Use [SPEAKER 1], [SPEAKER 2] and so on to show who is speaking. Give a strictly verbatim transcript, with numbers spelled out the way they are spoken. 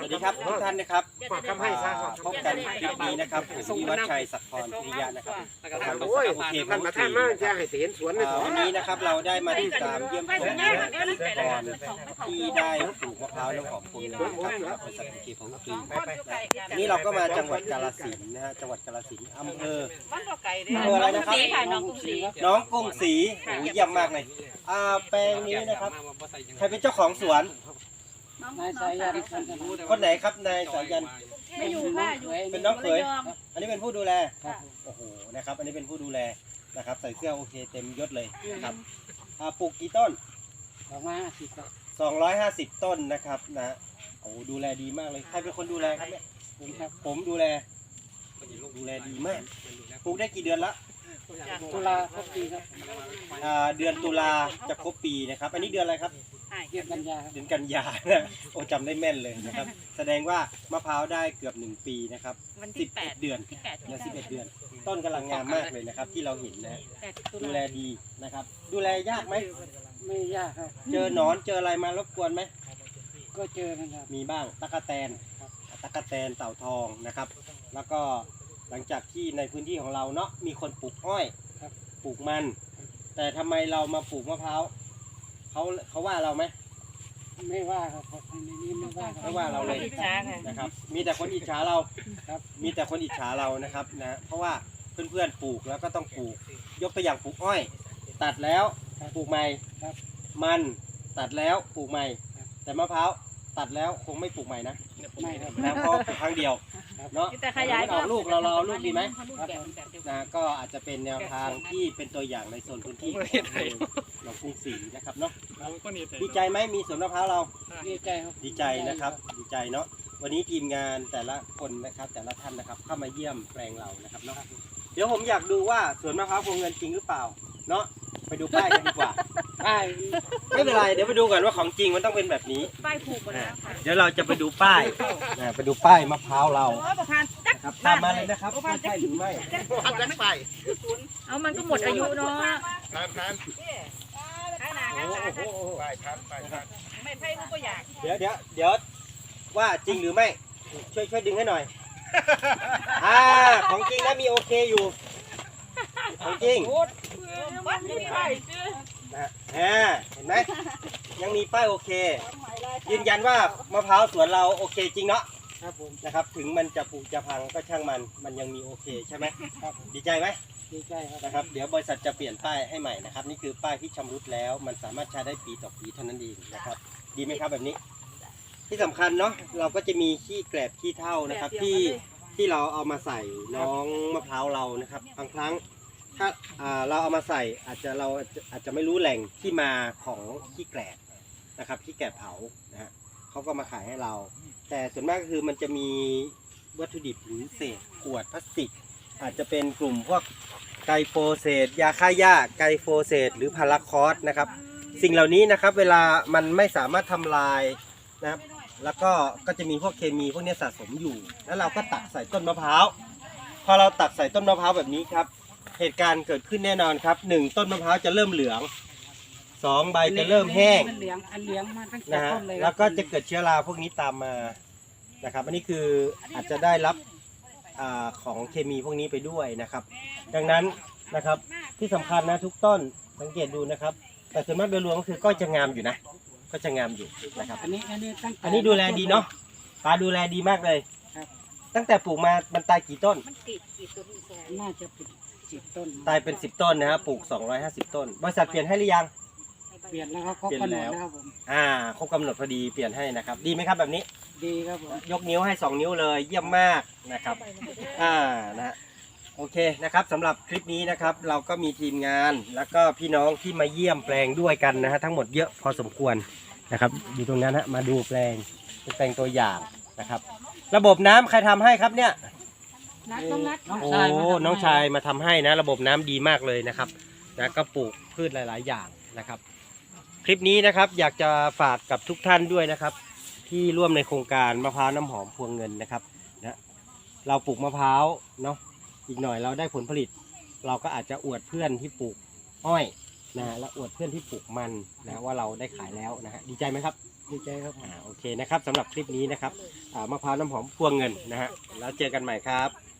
[SPEAKER 1] วัสดีครับทุกท่านนะครับ
[SPEAKER 2] ฝากคำให้ซะ
[SPEAKER 1] พบกันคลิปนี้นะครับผมวิวัฒชัยศักดิ์พรพิริยะนะครับทางบริ
[SPEAKER 2] โอ้ย
[SPEAKER 1] ษัทโอเค
[SPEAKER 2] ท่านประธานมาจะให้เห็นสวนในสวน
[SPEAKER 1] วันนี้นะครับเราได้มาติดตามเยี่ยมชมเกษตรกรที่ได้ปลูกมะพร้าวน้ำหอมพวงเงินนะครับกับบริษัทโอเคของฟรีนี่เราก็มาจังหวัดกาฬสินธุ์นะฮะจังหวัดกาฬสินธุ์อำเภออำเภออะไรนะครับน้องกรุงศรีน้องกรุงศรีโอ้เยี่ยมมากเลยอ่าแปลงนี้นะครับใครเป็นเจ้าของสวน
[SPEAKER 3] นายสายัน
[SPEAKER 1] คนไหนครับนายสายัน
[SPEAKER 3] ไม่อยู่ค่ะอยู่
[SPEAKER 1] เป็นน้องเขยอันนี้เป็นผู้ดูแลโอ้โหนะครับอันนี้เป็นผู้ดูแลนะครับใส่เสื้อโอเคเต็มยศเลยนะครับอ่าปลูกกี่ต้น
[SPEAKER 3] สองร้อยห้าสิบครับ
[SPEAKER 1] สองร้อยห้าสิบต้นนะครับนะโอ้ดูแลดีมากเลยใครเป็นคนดูแลครับเนี่ย
[SPEAKER 3] ผมครับ
[SPEAKER 1] ผมดูแลดูแลดีมากปลูกได้กี่เดือนละ
[SPEAKER 3] ตุลาครบปีครับ
[SPEAKER 1] อ่าเดือนตุลาจะครบปีนะครับอันนี้เดือนอะไรครับ
[SPEAKER 3] เดือนกันยาครับ
[SPEAKER 1] เดือนกันยานะโอ้จำได้แม่นเลยนะครับแสดงว่ามะพร้าวได้เกือบหนึ่งปีนะครับสิบเอ็ดเดือนและสิบเอ็ดเดือน ต้นกำลังงามมากเลยนะครับที่เราเห็นนะดูแลดีนะครับดูแลยากไหม
[SPEAKER 3] ไม่ยากครับ
[SPEAKER 1] เจอหนอนเจออะไรมารบกวนไหม
[SPEAKER 3] ก็เจอกันครับ
[SPEAKER 1] มีบ้างตะกะแตนตะกะแตนเต่าทองนะครับ แล้วก็หลังจากที่ในพื้นที่ของเราเนาะมีคนปลูกอ้อยปลูกมัน แต่ทำไมเรามาปลูกมะพร้าวเขาเขาว่าเราไหม
[SPEAKER 3] ไม่ว่าครับในนี้ไม่ว่าครับ
[SPEAKER 1] ไม่ว่าเราเลยนะครับ มีแต่คนอิจฉาเราครับมีแต่คนอิจฉาเรานะครับนะเพราะว่าเพื่อนๆปลูกแล้วก็ต้องปลูกยกตัวอย่างปลูกอ้อย ตัดแล้วปลูกใหม่มันตัดแล้วปลูกใหม่ แต่มะพร้าวตัดแล้วคงไม่ปลูกใหม่นะ
[SPEAKER 3] ไม่ครับ
[SPEAKER 1] นะเพราะปลูกครั้งเดียวเนาะ
[SPEAKER 4] แต่ขยาย
[SPEAKER 1] ออกลูกเราเราเอาลูกดีไหม
[SPEAKER 3] ครับ
[SPEAKER 1] นะก็อาจจะเป็นแนวทางที่เป็นตัวอย่างในโซนพื้นที่ของเรากรุงศรีนะครับเนาะดีใจไหมมีสวนมะพร้าวเรา
[SPEAKER 3] ดีใจครับ
[SPEAKER 1] ดีใจนะครับดีใจเนาะวันนี้ทีมงานแต่ละคนนะครับแต่ละท่านนะครับเข้ามาเยี่ยมแปลงเรานะครับเนาะเดี๋ยวผมอยากดูว่าสวนมะพร้าวพวงเงินจริงหรือเปล่าเนาะไปดูป้ายกันดีกว่า
[SPEAKER 3] ป้าย
[SPEAKER 1] ไม่เป็นไรเดี๋ยวไปดูก่อนว่าของจริงมันต้องเป็นแบบนี้
[SPEAKER 4] ป้ายผูกหมดแล้วค่ะ
[SPEAKER 1] เดี๋ยวเราจะไปดูป้ายนะไปดูป้ายมะพร้าวเรา
[SPEAKER 4] โอ้ประพันธ์จัก
[SPEAKER 1] ครับตามมาเลยนะครับว่าใช่หรือไม่
[SPEAKER 2] ทำกันไป
[SPEAKER 4] เอามันก็หมดอายุเนาะ
[SPEAKER 2] ทานทาน
[SPEAKER 4] ข้างหน้า
[SPEAKER 1] โอ้
[SPEAKER 4] ข้างหน้า
[SPEAKER 1] โห
[SPEAKER 2] ไปทานไปทาน
[SPEAKER 4] ไม่ไพ่ลูกก็อยาก
[SPEAKER 1] เดี๋ยวเดี๋ยวเดี๋ยวว่าจริงหรือไม่ช่วยช่วยดึงให้หน่อยอ่าของจริงนะมีโอเคอยู่ของจริง
[SPEAKER 4] วัดนี่ไพ่
[SPEAKER 1] นะฮะอ่าเห็นไหมยังมีป้ายโอเค ยืนยันว่ามะพร้าวสวนเราโอเคจริงเนาะ
[SPEAKER 3] ครับผม
[SPEAKER 1] นะครับ ถึงมันจะผุจะพังก็ช่างมันมันยังมีโอเคใช่ไหม
[SPEAKER 3] ครับผม
[SPEAKER 1] ดีใจไหม
[SPEAKER 3] ดีใจครับ
[SPEAKER 1] นะครับเดี๋ยวบริษัทจะเปลี่ยนป้ายให้ใหม่นะครับนี่คือป้ายที่ชำรุดแล้ว มันสามารถใช้ได้ปีต่อปีเท่านั้นเองนะครับ ดีไหมครับแบบนี้ ที่สำคัญเนาะเราก็จะมีขี้แกลบขี้เถ้านะครับที่ที่เราเอามาใส่น้องมะพร้าวเรานะครับบางครั้งถ้าอ่าเราเอามาใส่อาจจะเราอาจจะไม่รู้แหล่งที่มาของขี้แกลบนะครับขี้แกลบเผานะฮะเขาก็มาขายให้เรา แต่ส่วนมากก็คือมันจะมีวัตถุดิบหรือเศษขวดพลาสติก อาจจะเป็นกลุ่มพวกไกลโฟเสตยาฆ่าหญ้าไกลโฟเสตหรือพาราคอสนะครับสิ่งเหล่านี้นะครับเวลามันไม่สามารถทำลายนะครับแล้วก็ก็จะมีพวกเคมีพวกนี้สะสมอยู่ แล้วเราก็ตักใส่ต้นมะพร้าวพอเราตักใส่ต้นมะพร้าวแบบนี้ครับเหตุการณ์เกิดขึ้นแน่นอนครับหนึ่งต้นมะพร้าวจะเริ่มเหลืองสองใบจะเริ่มแห้ง
[SPEAKER 3] มันเหลืองอันเหลืองมาตั้งแต่
[SPEAKER 1] นะฮะ
[SPEAKER 3] ต้นเลย
[SPEAKER 1] แล้วก็จะเกิดเชื้อราพวกนี้ตามมานะครับอันนี้คืออาจจะได้รับอาของเคมีพวกนี้ไปด้วยนะครับ ดังนั้นนะครับที่สำคัญนะทุกต้นสังเกตดูนะครับ แต่ส่วนมากโดยรวมก็คือก็จะงามอยู่นะ ก็จะงามอยู่นะครับ
[SPEAKER 3] อันนี้อันนี้ตั้งแต่
[SPEAKER 1] อันนี้ดูแลดีเนาะปลาดูแลดีมากเลย
[SPEAKER 3] ครับ
[SPEAKER 1] ตั้งแต่ปลูกมามันตายกี่ต้น
[SPEAKER 4] มันติดกี่ตัวนี่แซ่
[SPEAKER 3] น่าจะเป็นสิบต้น
[SPEAKER 1] ตายเป็นสิบต้นนะฮะปลูกสองร้อยห้าสิบต้นบริษัทเปลี่ยนให้หรือยัง
[SPEAKER 3] เปลี่ยนแล้วครับครบ
[SPEAKER 1] เปลี่ยน
[SPEAKER 3] กำหน
[SPEAKER 1] แล้
[SPEAKER 3] ด
[SPEAKER 1] ว
[SPEAKER 3] แล้วครับผม
[SPEAKER 1] อ่าครบกำหนดพอดีเปลี่ยนให้นะครับ ดีไหมครับแบบนี้
[SPEAKER 3] ดีครับผม
[SPEAKER 1] ยกนิ้วให้สองนิ้วเลยเยี่ยมมากนะครับ อ่านะฮะโอเคนะครับสำหรับคลิปนี้นะครับเราก็มีทีมงานแล้วก็พี่น้องที่มาเยี่ยมแปลงด้วยกันนะฮะทั้งหมดเยอะพอสมควรนะครับอยู่ตรงนั้นฮะมาดูแปลงเป็นแปลงตัวอย่างนะครับ ระบบน้ำใครทำให้ครับเนี่ย
[SPEAKER 4] นัดต้องนัด
[SPEAKER 3] น้อง
[SPEAKER 1] โอ้
[SPEAKER 3] ชายมาทำให้
[SPEAKER 1] น้องชายมาทำให้นะระบบน้ำดีมากเลยนะครับนะก็ปลูกพืชหลาย ๆ อย่างนะครับ คลิปนี้นะครับอยากจะฝากกับทุกท่านด้วยนะครับ ที่ร่วมในโครงการมะพร้าวน้ำหอมพวงเงินนะครับนะเราปลูกมะพร้าวเนาะอีกหน่อยเราได้ผลผลิต เราก็อาจจะอวดเพื่อนที่ปลูกอ้อยนะและอวดเพื่อนที่ปลูกมันนะว่าเราได้ขายแล้วนะฮะดีใจไหมครับ
[SPEAKER 3] ดดีใจครับผม
[SPEAKER 1] อ่าโอเคนะครับสำหรับคลิปนี้นะครับอ่ามะพร้าวน้ำหอมพวงเงินนะฮะแล้วเจอกันใหม่ครับ